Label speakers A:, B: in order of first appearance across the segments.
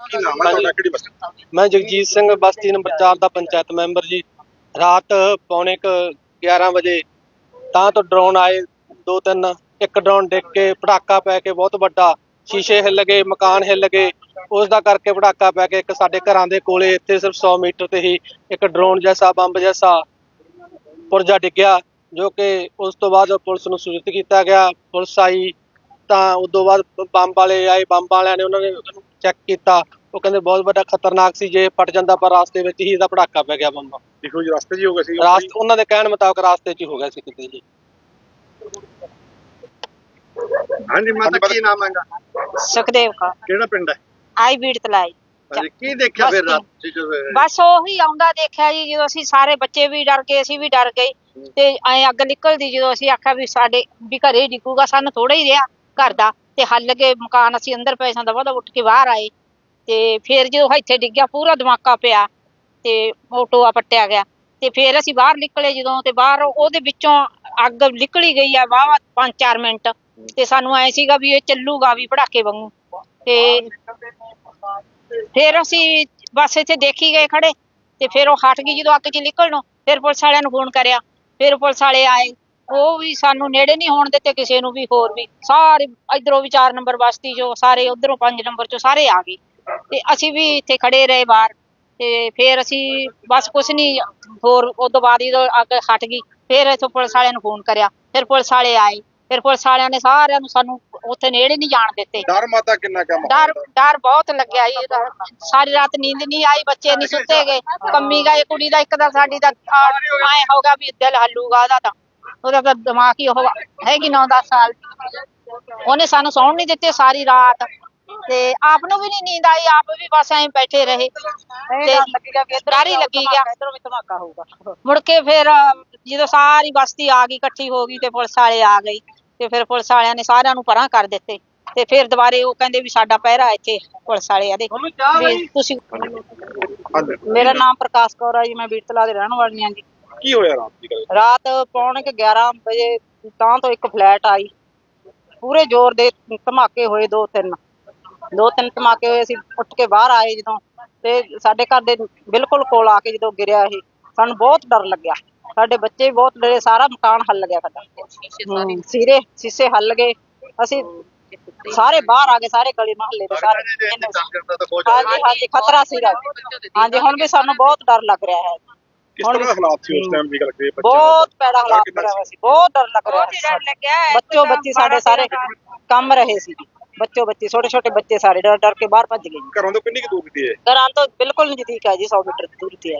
A: ਕੀ ਨਾਮ ਹੈ ਤੁਹਾਡਾ, ਕਿਹੜੀ ਬਸਤੀ?
B: मैं जगजीत सिंह बस्ती नंबर 4 ਦਾ ਪੰਚਾਇਤ ਮੈਂਬਰ ਜੀ। ਰਾਤ ਪੌਣੇ 11 ਵਜੇ ਤਾਂ ਤੋਂ ਡਰੋਨ ਆਏ ਦੋ ਤਿੰਨ। ਇੱਕ ਡਰੋਨ ਡਿੱਗ ਕੇ ਪਟਾਕਾ ਪੈ ਕੇ ਬਹੁਤ ਵੱਡਾ, ਸ਼ੀਸ਼ੇ ਹਿੱਲ ਗਏ, ਮਕਾਨ ਹਿੱਲ ਗਏ। ਉਸ ਦਾ ਕਰਕੇ ਪਟਾਕਾ ਪੈ ਕੇ ਇੱਕ ਸਾਡੇ ਘਰਾਂ ਦੇ ਕੋਲੇ ਇੱਥੇ ਸਿਰਫ 100 ਮੀਟਰ ਤੇ ਹੀ ਇੱਕ ਡਰੋਨ ਜੈਸਾ ਬੰਬ ਜੈਸਾ ਪੁਰਜਾ ਡਿੱਗਿਆ, ਜੋ ਕਿ ਉਸ ਤੋਂ ਬਾਅਦ ਪੁਲਿਸ ਨੂੰ ਸੂਚਿਤ ਕੀਤਾ ਗਿਆ। ਪੁਲਿਸ ਆਈ ਤਾਂ ਉਸ ਤੋਂ ਬਾਅਦ ਬੰਬ ਵਾਲੇ ਆਏ, ਬੰਬ ਵਾਲਿਆਂ ਨੇ ਉਹਨਾਂ ਨੇ ਉਹਨੂੰ ਚੈੱਕ ਕੀਤਾ। ਉਹ ਕਹਿੰਦੇ ਬਹੁਤ ਵੱਡਾ ਖਤਰਨਾਕ ਸੀ, ਜੇ ਫਟ ਜਾਂਦਾ, ਪਰ ਰਾਸਤੇ ਵਿੱਚ ਹੀ ਇਹਦਾ ਪਟਾਕਾ ਪੈ ਗਿਆ ਬੰਬ।
A: ਦੇਖੋ ਜੀ, ਰਸਤੇ 'ਚ ਹੀ ਹੋ ਗਿਆ ਸੀ।
B: ਰਾਸਤੇ ਉਹਨਾਂ ਦੇ ਕਹਿਣ ਮੁਤਾਬਕ ਰਾਸਤੇ 'ਚ ਹੀ ਹੋ ਗਿਆ ਸੀ ਕਿਤੇ ਜੀ।
A: ਹਾਂਜੀ ਮਾਤਾ, ਕੀ ਨਾਮ ਹੈਗਾ?
C: ਸੁਖਦੇਵ ਕੌਰ।
A: ਕਿਹੜਾ ਪਿੰਡ ਹੈ?
C: ਆਈ ਬੀੜ ਤਲਾਈ।
A: ਹਾਂਜੀ, ਕੀ ਦੇਖਿਆ ਫਿਰ ਰਾਤ 'ਚ ਜਦੋਂ?
C: ਬਸ ਉਹੀ ਆਉਂਦਾ ਦੇਖਿਆ ਜੀ, ਜਦੋਂ ਅਸੀਂ ਸਾਰੇ ਬੱਚੇ ਵੀ ਡਰ ਗਏ, ਅਸੀਂ ਵੀ ਡਰ ਗਏ ਤੇ ਐ ਅੱਗ ਨਿਕਲਦੀ, ਜਦੋਂ ਅਸੀਂ ਆਖਿਆ ਵੀ ਸਾਡੇ ਵੀ ਘਰੇ ਡਿੱਗੂਗਾ, ਸਾਨੂੰ ਥੋੜਾ ਹੀ ਰਿਹਾ ਘਰ ਦਾ ਤੇ ਹੱਲ ਗਏ ਮਕਾਨ, ਅਸੀਂ ਅੰਦਰ ਪਏ ਸਾਂ, ਦਵਾ ਉੱਠ ਕੇ ਬਾਹਰ ਆਏ ਤੇ ਫਿਰ ਜਦੋਂ ਇੱਥੇ ਡਿੱਗਿਆ ਪੂਰਾ ਧਮਾਕਾ ਪਿਆ ਤੇ ਉਹ ਟੋਆ ਪੱਟਿਆ ਗਿਆ ਤੇ ਫਿਰ ਅਸੀਂ ਬਾਹਰ ਨਿਕਲੇ ਜਦੋਂ, ਤੇ ਬਾਹਰ ਉਹਦੇ ਵਿੱਚੋਂ ਅੱਗ ਨਿਕਲੀ ਗਈ ਆ ਵਾਹਵਾ 5-4 ਮਿੰਟ ਤੇ ਸਾਨੂੰ ਐ ਸੀਗਾ ਵੀ ਇਹ ਚੱਲੂਗਾ ਵੀ ਪੜਾਕੇ ਵਾਂਗੂ। ਤੇ ਫਿਰ ਅਸੀਂ ਬਸ ਇੱਥੇ ਦੇਖੀ ਗਏ ਖੜੇ ਤੇ ਫਿਰ ਉਹ ਹਟ ਗਈ ਜਦੋਂ ਅੱਗ 'ਚ ਨਿਕਲਣੋਂ। ਫਿਰ ਪੁਲਿਸ ਵਾਲਿਆਂ ਨੂੰ ਫੋਨ ਕਰਿਆ, ਫਿਰ ਪੁਲਿਸ ਵਾਲੇ ਆਏ, ਉਹ ਵੀ ਸਾਨੂੰ ਨੇੜੇ ਨਹੀਂ ਹੋਣ ਦਿੱਤੇ ਕਿਸੇ ਨੂੰ ਵੀ। ਹੋਰ ਵੀ ਸਾਰੇ ਇਧਰੋਂ ਵੀ 4 ਨੰਬਰ ਬਸਤੀ ਚੋਂ ਸਾਰੇ, ਉਧਰੋਂ 5 ਨੰਬਰ ਚੋਂ ਸਾਰੇ ਆ ਗਏ ਤੇ ਅਸੀਂ ਵੀ ਇੱਥੇ ਖੜੇ ਰਹੇ ਬਾਹਰ। ਤੇ ਫਿਰ ਅਸੀਂ ਬਸ ਕੁਛ ਨਹੀਂ ਹੋਰ, ਉਦੋਂ ਬਾਅਦ ਜਦੋਂ ਅੱਗ ਹਟ ਗਈ ਫਿਰ ਇੱਥੋਂ ਪੁਲਿਸ ਵਾਲਿਆਂ ਨੂੰ ਫੋਨ ਕਰਿਆ, ਫਿਰ ਪੁਲਿਸ ਵਾਲੇ ਆਏ, ਫਿਰ ਪੁਲਿਸ ਵਾਲਿਆਂ ਨੇ ਸਾਰਿਆਂ ਨੂੰ ਸਾਨੂੰ ਉੱਥੇ ਨੇੜੇ ਨਹੀਂ ਜਾਣ ਦਿੱਤੇ।
A: ਡਰ ਮਾਤਾ ਕਿੰਨਾ ਕੰਮ?
C: ਡਰ ਬਹੁਤ ਲੱਗਿਆ ਜੀ। ਸਾਰੀ ਰਾਤ ਨੀਂਦ ਨਹੀਂ ਆਈ, ਬੱਚੇ ਨਹੀਂ ਸੁੱਤੇ ਗਏ, ਕੰਮੀ ਗਏ। ਕੁੜੀ ਦਾ ਇੱਕ ਦਾ ਸਾਡੀ ਦਾ ਐ ਹੋਗਾ ਵੀ ਦਿਲ ਹੱਲੂਗਾ ਉਹਦਾ ਤਾਂ ਦਿਮਾਗ ਹੀ ਉਹ ਹੈਗੀ 9-10 ਸਾਲ। ਉਹਨੇ ਸਾਨੂੰ ਸੌਣ ਨਹੀਂ ਦਿੱਤੇ ਸਾਰੀ ਰਾਤ ਤੇ ਆਪ ਨੂੰ ਵੀ ਨਹੀਂ ਨੀਂਦ ਆਈ, ਆਪ ਵੀ ਬਸ ਐਂ ਬੈਠੇ ਰਹੇ ਤੇ ਡਰ ਹੀ ਲੱਗੀ ਗਿਆ ਇਧਰੋਂ ਵੀ ਧਮਾਕਾ ਹੋਊਗਾ। ਮੁੜ ਕੇ ਫਿਰ ਜਦੋਂ ਸਾਰੀ ਬਸਤੀ ਆ ਗਈ, ਇਕੱਠੀ ਹੋ ਗਈ ਤੇ ਪੁਲਿਸ ਵਾਲੇ ਆ ਗਏ ਤੇ ਫਿਰ ਪੁਲਿਸ ਵਾਲਿਆਂ ਨੇ ਸਾਰਿਆਂ ਨੂੰ ਪਰਾਂ ਕਰ ਦਿੱਤੇ ਤੇ ਫਿਰ ਦੁਬਾਰੇ ਉਹ ਕਹਿੰਦੇ ਵੀ ਸਾਡਾ ਪਹਿਰਾ ਇੱਥੇ ਪੁਲਿਸ ਵਾਲੇ ਆਦੇ ਵੀ ਤੁਸੀਂ। ਮੇਰਾ ਨਾਮ ਪ੍ਰਕਾਸ਼ ਕੌਰ ਆ ਜੀ, ਮੈਂ ਬੀੜਤਲਾ ਦੇ ਰਹਿਣ ਵਾਲੀ ਹਾਂ ਜੀ।
A: ਕੀ ਹੋਇਆ ਰਾਤ ਦੀ ਗੱਲ?
C: ਰਾਤ ਪੌਣੇ 11 ਵਜੇ ਤਾਂ ਤੋਂ ਇੱਕ ਫਲੈਟ ਆਈ, ਪੂਰੇ ਜ਼ੋਰ ਦੇ ਧਮਾਕੇ ਹੋਏ, ਦੋ ਤਿੰਨ ਧਮਾਕੇ ਹੋਏ। ਅਸੀਂ ਉੱਠ ਕੇ ਬਾਹਰ ਆਏ ਜਦੋਂ ਤੇ ਸਾਡੇ ਘਰ ਦੇ ਬਿਲਕੁਲ ਕੋਲ ਆ ਕੇ ਜਦੋਂ ਗਿਰਿਆ ਇਹ, ਸਾਨੂੰ ਬਹੁਤ ਡਰ ਲੱਗਿਆ। ਸਾਡੇ ਬੱਚੇ ਵੀ ਬਹੁਤ ਡਰੇ, ਸਾਰਾ ਮਕਾਨ ਹੱਲ ਗਿਆ ਸਾਡਾ, ਸ਼ੀਸ਼ੇ ਹੱਲ ਗਏ। ਅਸੀਂ ਸਾਰੇ ਬਾਹਰ ਆ ਗਏ, ਸਾਰੇ ਗਲੀ ਮੁਹੱਲੇ ਦੇ ਸਾਰੇ। ਹਾਂਜੀ ਖਤਰਾ ਸੀਗਾ। ਹਾਂਜੀ ਹੁਣ ਵੀ ਸਾਨੂੰ ਬਹੁਤ ਡਰ ਲੱਗ ਰਿਹਾ ਹੈ।
A: ਕਿਸ ਤਰ੍ਹਾਂ ਦੇ ਹਾਲਾਤ ਸੀ ਉਸ ਟਾਈਮ ਦੀ ਗੱਲ ਕਰੀਏ?
C: ਬਹੁਤ ਭੈੜਾ ਹਾਲਾਤ ਰਿਹਾ ਸੀ, ਬਹੁਤ ਡਰ ਲੱਗ ਰਿਹਾ ਸੀ। ਬੱਚੋ ਬੱਚੀ ਸਾਡੇ ਸਾਰੇ ਕੰਮ ਰਹੇ ਸੀ, ਬੱਚੋ ਬੱਚੀ ਛੋਟੇ ਬੱਚੇ ਸਾਰੇ ਡਰ ਡਰ ਕੇ ਬਾਹਰ ਭੱਜ ਗਏ।
A: ਘਰਾਂ ਤੋਂ ਕਿੰਨੀ ਕੁ ਦੂਰ ਦੀ ਹੈ?
C: ਘਰਾਂ ਤੋਂ ਬਿਲਕੁਲ ਨਜ਼ਦੀਕ ਹੈ ਜੀ, 100 ਮੀਟਰ ਦੂਰ ਤੇ ਹੈ।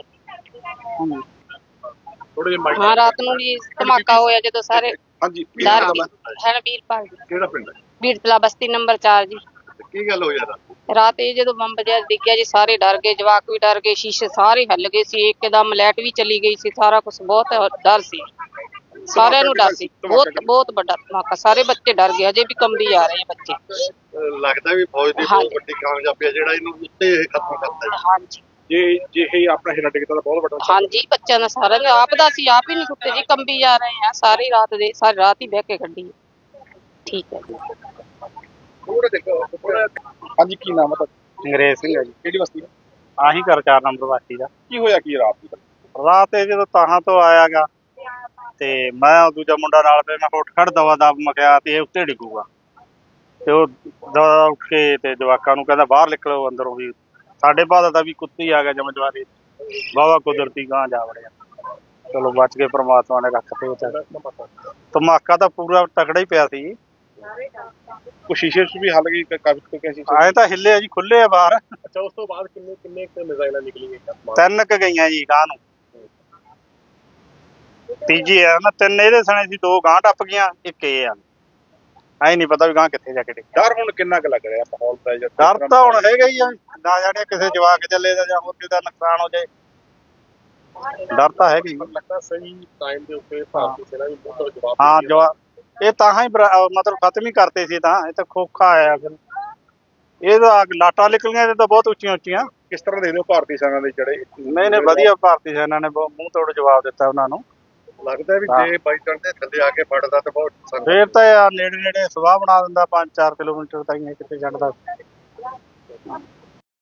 C: ਹਾਂ ਰਾਤ ਨੂੰ ਜੀ ਧਮਾਕਾ ਹੋਇਆ ਜਦੋਂ ਸਾਰੇ।
A: ਹਾਂਜੀ,
C: ਡਰ ਹੈ ਵੀਰਪਾਲ ਜੀ।
A: ਕਿਹੜਾ ਪਿੰਡ ਹੈ?
C: ਬੀੜਤਲਾ ਬਸਤੀ ਨੰਬਰ 4 ਜੀ।
A: ਕੀ ਗੱਲ ਹੋਈ
C: ਰਾਤ ਇਹ ਜਦੋਂ ਬੰਬ ਜਿਹਾ ਡਿੱਗਿਆ ਜੀ, ਸਾਰੇ ਡਰ ਗਏ, ਜਵਾਕ ਵੀ ਡਰ ਗਏ, ਸ਼ੀਸ਼ੇ ਸਾਰੇ ਹਿੱਲ ਗਏ ਸੀ, ਇੱਕਦਮ ਲਾਈਟ ਵੀ ਚਲੀ ਗਈ ਸੀ, ਸਾਰਾ ਕੁਝ ਬਹੁਤ ਡਰ ਸੀ, ਸਾਰਿਆਂ ਨੂੰ ਡਰ ਸੀ। ਬਹੁਤ ਵੱਡਾ ਧਮਾਕਾ, ਸਾਰੇ ਬੱਚੇ ਡਰ ਗਏ, ਅਜੇ ਵੀ ਕੰਬੀ ਜਾ ਰਹੇ ਬੱਚੇ।
A: ਲੱਗਦਾ ਵੀ ਫੌਜ ਦੀ ਬਹੁਤ ਵੱਡੀ ਕਾਮਯਾਬੀ ਹੈ ਜਿਹੜਾ ਇਹਨੂੰ ਉੱਤੇ ਇਹ ਖਤਮ ਕਰਤਾ।
C: ਹਾਂਜੀ,
A: ਜੇ ਇਹ ਆਪਣਾ ਹਿੱਲਾ ਟਿਕਦਾ ਤਾਂ ਬਹੁਤ ਵੱਡਾ।
C: ਹਾਂਜੀ ਬੱਚਿਆਂ ਦਾ ਸਾਰਿਆਂ ਨੇ ਆਪ ਦਾ ਸੀ, ਆਪ ਹੀ ਨਹੀਂ ਸੁੱਤੇ ਜੀ, ਕੰਬੀ ਜਾ ਰਹੇ ਆ ਸਾਰੀ ਰਾਤ ਦੇ, ਸਾਰੀ ਰਾਤ ਹੀ ਬਹਿ ਕੇ ਕੱਢੀ। ਠੀਕ ਹੈ ਜੀ।
A: ਹਾਂਜੀ, ਕੀ ਨਾਮ ਹੈ?
B: ਅੰਗਰੇਜ਼ ਸਿੰਘ ਹੈ ਜੀ।
A: ਕਿਹੜੀ ਬਸਤੀ?
B: ਆਹੀ ਘਰ 4 ਨੰਬਰ ਬਸਤੀ ਦਾ।
A: ਕੀ ਹੋਇਆ ਕੀ ਰਾਤ ਦੀ?
B: ਰਾਤ ਇਹ ਜਦੋਂ ਤਾਹਾਂ ਤੋਂ ਆਇਆਗਾ ਤੇ ਮੈਂ ਦੂਜਾ ਮੁੰਡਾ ਨਾਲ ਤੇ ਮੈਂ ਉੱਠ ਖੜ ਦਵਾ ਦਬ ਮਖਿਆ ਤੇ ਇਹ ਉੱਤੇ ਡਿੱਗੂਗਾ ਤੇ ਉਹ ਦਵਾ ਉੱਠ ਕੇ ਤੇ ਜਵਾਕਾਂ ਨੂੰ ਕਹਿੰਦਾ ਬਾਹਰ ਨਿਕਲੋ ਅੰਦਰੋਂ। ਵੀ ਸਾਡੇ ਬਾਦ ਦਾ ਵੀ ਕੁੱਤੀ ਆ ਗਿਆ ਜਮਜਵਾਰੀ, ਵਾਹਵਾ ਕੁਦਰਤੀ ਗਾਂ ਜਾ ਵੜਿਆ। ਚਲੋ ਬਚ ਗਏ, ਪ੍ਰਮਾਤਮਾ ਨੇ ਰੱਖ ਤੇ। ਧਮਾਕਾ ਤਾਂ ਪੂਰਾ ਤਕੜਾ ਹੀ ਪਿਆ ਸੀ।
A: ਕੁਛ ਸ਼ੀਸ਼ੇ ਵੀ ਹੱਲ ਗਈ, ਕਾਫੀ
B: ਆਏ ਤਾਂ ਹਿੱਲੇ ਆ ਜੀ, ਖੁੱਲੇ ਆ ਬਾਹਰ।
A: ਅੱਛਾ, ਉਸ ਤੋਂ ਬਾਅਦ ਕਿੰਨੇ ਮਿਜ਼ਾਈਲਾਂ ਨਿਕਲੀਆਂ?
B: 3 ਕੁ ਗਈਆਂ ਜੀ ਗਾਂ ਨੂੰ, ਤੀਜੀ ਆ ਨਾ 3 ਇਹਦੇ ਸਣੇ ਸੀ, 2 ਗਾਂ ਟੱਪ ਗਈਆਂ, ਇੱਕ ਇਹ ਆ। ਐ ਨਹੀਂ ਪਤਾ ਵੀ ਗਾਂ ਕਿੱਥੇ ਜਾ ਕੇ ਡਿੱਗੀ।
A: ਡਰ ਹੁਣ ਕਿੰਨਾ ਕੁ ਲੱਗ ਰਿਹਾ ਮਾਹੌਲ ਦਾ?
B: ਡਰ ਤਾਂ ਹੁਣ ਹੈਗਾ ਹੀ ਆ, ਨਾ ਜਾਣੇ ਕਿਸੇ ਜਵਾਕ ਚੱਲੇ ਦਾ ਜਾਂ ਹੋਰ ਕਿਸੇ ਦਾ ਨੁਕਸਾਨ ਹੋ ਜਾਏ, ਡਰ ਤਾਂ ਹੈਗਾ ਹੀ।
A: ਲੱਗਦਾ ਸਹੀ ਟਾਈਮ ਦੇ ਉੱਤੇ ਭਾਰਤੀ ਸੈਨਾ ਵੀ ਬਹੁਤ ਜਵਾਬ।
B: ਹਾਂ ਜਵਾਬ ਇਹ ਤਾਂ ਹੀ ਮਤਲਬ ਖਤਮ ਹੀ ਕਰਤੇ ਸੀ, ਤਾਂ ਇਹ ਤਾਂ ਖੋਖਾ ਆਇਆ ਫਿਰ। ਇਹ ਤਾਂ ਲਾਟਾਂ ਨਿਕਲੀਆਂ ਇਹ ਤਾਂ ਬਹੁਤ ਉੱਚੀਆਂ ਉੱਚੀਆਂ।
A: ਕਿਸ ਤਰ੍ਹਾਂ ਦੇਖਦੇ ਹੋ ਭਾਰਤੀ ਸੈਨਾ ਦੇ ਜਿਹੜੇ?
B: ਨਹੀਂ ਵਧੀਆ, ਭਾਰਤੀ ਸੈਨਾ ਨੇ ਮੂੰਹ ਤੋੜ ਜਵਾਬ ਦਿੱਤਾ ਉਹਨਾਂ ਨੂੰ।
A: ਲੱਗਦਾ ਵੀ ਜੇ ਬਾਈ ਚਾਂਸ ਦੇ ਥੱਲੇ ਆ ਕੇ ਫੜਦਾ ਤਾਂ ਬਹੁਤ
B: ਫੇਰ ਤਾਂ ਯਾਰ ਨੇੜੇ ਸਵਾਹ ਬਣਾ ਦਿੰਦਾ, 5-4 ਕਿਲੋਮੀਟਰ ਤਾਈਂ ਕਿਤੇ ਛੱਡਦਾ।